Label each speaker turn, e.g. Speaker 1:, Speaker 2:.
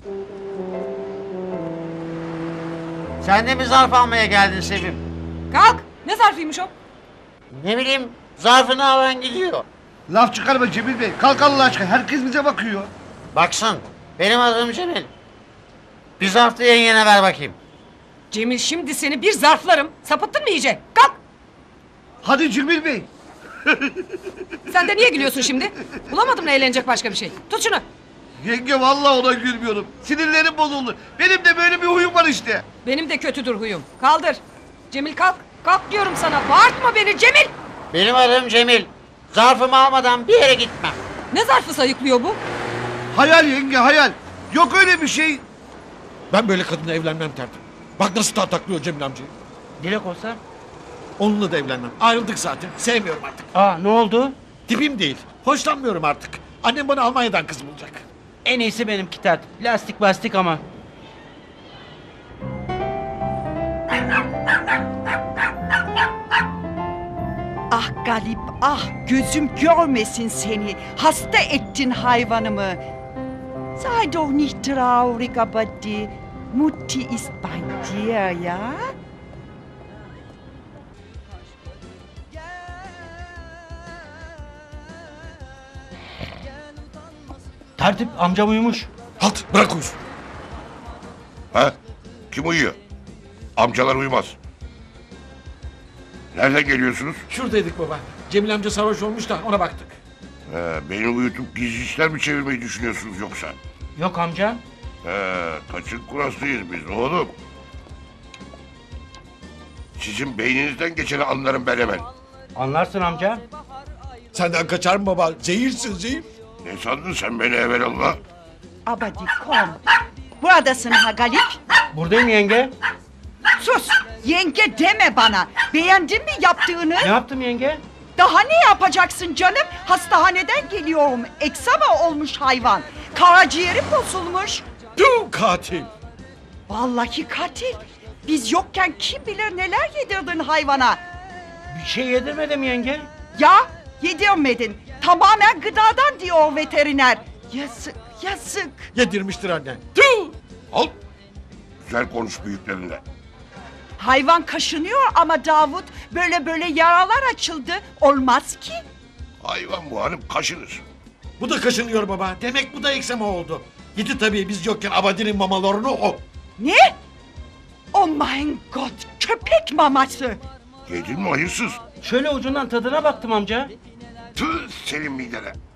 Speaker 1: Sen de mi zarf almaya geldin Sevim?
Speaker 2: Kalk. Ne zarfıymış o?
Speaker 1: Ne bileyim, zarfını alan gidiyor.
Speaker 3: Laf çıkarma Cemil Bey. Kalk Allah aşkına. Herkes bize bakıyor.
Speaker 1: Baksın, benim adım Cemil. Bir zarf da yengene ver bakayım.
Speaker 2: Cemil şimdi seni bir zarflarım. Sapıttın mı iyice? Kalk.
Speaker 3: Hadi Cemil Bey.
Speaker 2: Sen de niye gülüyorsun şimdi? Bulamadım mı eğlenecek başka bir şey? Tut şunu.
Speaker 3: Yenge vallahi ona gülmüyorum. Sinirlerim bozuldu. Benim de böyle bir huyum var işte.
Speaker 2: Benim de kötüdür huyum. Kaldır. Cemil kalk. Kalk diyorum sana. Bağırtma beni Cemil.
Speaker 1: Benim adım Cemil. Zarfımı almadan bir yere gitmem.
Speaker 2: Ne zarfı sayıklıyor bu?
Speaker 3: Hayal yenge hayal. Yok öyle bir şey.
Speaker 4: Ben böyle kadınla evlenmem tertip. Bak nasıl tartaklıyor Cemil amcayı.
Speaker 1: Dilek olsa?
Speaker 4: Onunla da evlenmem. Ayrıldık zaten. Sevmiyorum artık.
Speaker 1: Aa, ne oldu?
Speaker 4: Tipim değil. Hoşlanmıyorum artık. Annem bana Almanya'dan kız bulacak.
Speaker 5: En iyisi benimki tertip. Lastik bastik ama.
Speaker 6: Ah Galip, ah gözüm görmesin seni. Hasta ettin hayvanımı. Sei doch nicht traurig, aber die Mutti ist bei dir, ja?
Speaker 5: Tertip amcam uyumuş.
Speaker 4: Halt bırak uyusun.
Speaker 7: Ha? Kim uyuyor? Amcalar uyumaz. Nereden geliyorsunuz?
Speaker 4: Şuradaydık baba. Cemil amca sarhoş olmuş da ona baktık.
Speaker 7: Beni uyutup gizli işler mi çevirmeyi düşünüyorsunuz yoksa?
Speaker 5: Yok amca.
Speaker 7: Kaçın kurasıyız biz oğlum. Sizin beyninizden geçeni anlarım ben hemen.
Speaker 5: Anlarsın amca.
Speaker 4: Senden kaçar mı baba? Zehirsin zehir.
Speaker 7: Ne sandın sen beni evelallah?
Speaker 6: Aber die komm. Buradasın ha Galip.
Speaker 5: Buradayım yenge.
Speaker 6: Sus! Yenge deme bana. Beğendin mi yaptığını?
Speaker 5: Ne yaptım yenge?
Speaker 6: Daha ne yapacaksın canım? Hastaneden geliyorum. Eksama olmuş hayvan. Karaciğeri bozulmuş.
Speaker 4: Tüm katil.
Speaker 6: Vallahi katil. Biz yokken kim bilir neler yedirdin hayvana.
Speaker 5: Bir şey yedirmedim yenge.
Speaker 6: Ya yedirmedin. Tamamen gıdadan diyor veteriner. Yazık, yazık.
Speaker 4: Yedirmiştir annen. Tüh!
Speaker 7: Al. Güzel konuş büyüklerinle.
Speaker 6: Hayvan kaşınıyor ama Davut böyle yaralar açıldı. Olmaz ki.
Speaker 7: Hayvan bu hanım kaşınır.
Speaker 4: Bu da kaşınıyor baba. Demek bu da eksema oldu. Yedi tabii biz yokken Abadi'nin mamalarını o.
Speaker 6: Ne? Oh mein Gott, köpek maması.
Speaker 7: Yedin mi hayırsız?
Speaker 5: Şöyle ucundan tadına baktım amca.
Speaker 7: Tüh senin midene.